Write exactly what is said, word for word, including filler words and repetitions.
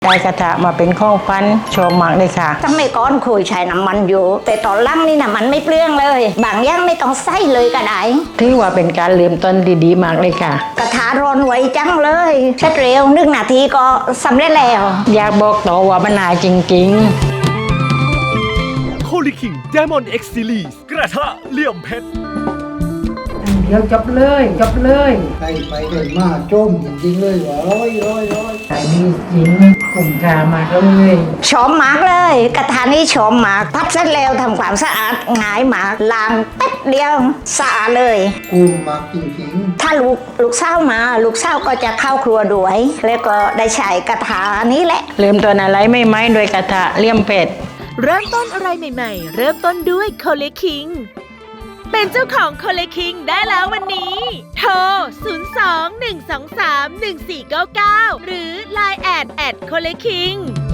ได้กระทะมาเป็นข้องฟันชอบมากเลยค่ะสมัยก่อนเคยใช้น้ำมันอยู่แต่ตอนหลังนี่น้ำมันไม่เปลื้องเลยบางอย่างไม่ต้องใส่เลยก็ได้ถือว่าเป็นการเริ่มต้นดีๆมากเลยค่ะกระทะร้อนไวจังเลยเสร็จเร็วหนึ่งนาทีก็สำเร็จแล้วอยากบอกต่อว่ามันน่าจริงๆโคลิคิง Diamond X Series กระทะเหลี่ยมเพชรเดี๋ยวจบเลยจบเลยไปไปเดินมาจมจริงๆเลยว่าร้อยร้อยร้อยขายดีจริงคุ้มค่ามากเลยชมมากเลยกระทะนี้ชมมากพัดเสร็จแล้วทำความสะอาดง่ายมากล้างแป๊บเดียวสะอาดเลยคุ้มมากจริงๆถ้าลูกลูกสาวมาลูกสาวก็จะเข้าครัวด้วยแล้วก็ได้ใช้กระทะนี้แหละเริ่มต้นอะไรไม่ไหมโดยกระทะเหลี่ยมเพชรเริ่มต้นอะไรใหม่ๆเริ่มต้นด้วยโคเลคิงเป็นเจ้าของโคเลคิงได้แล้ววันนี้โทร ศูนย์ สอง หนึ่ง สอง สาม หนึ่ง สี่ เก้า เก้า หรือ ไลน์ แอด แอด โคเลคิง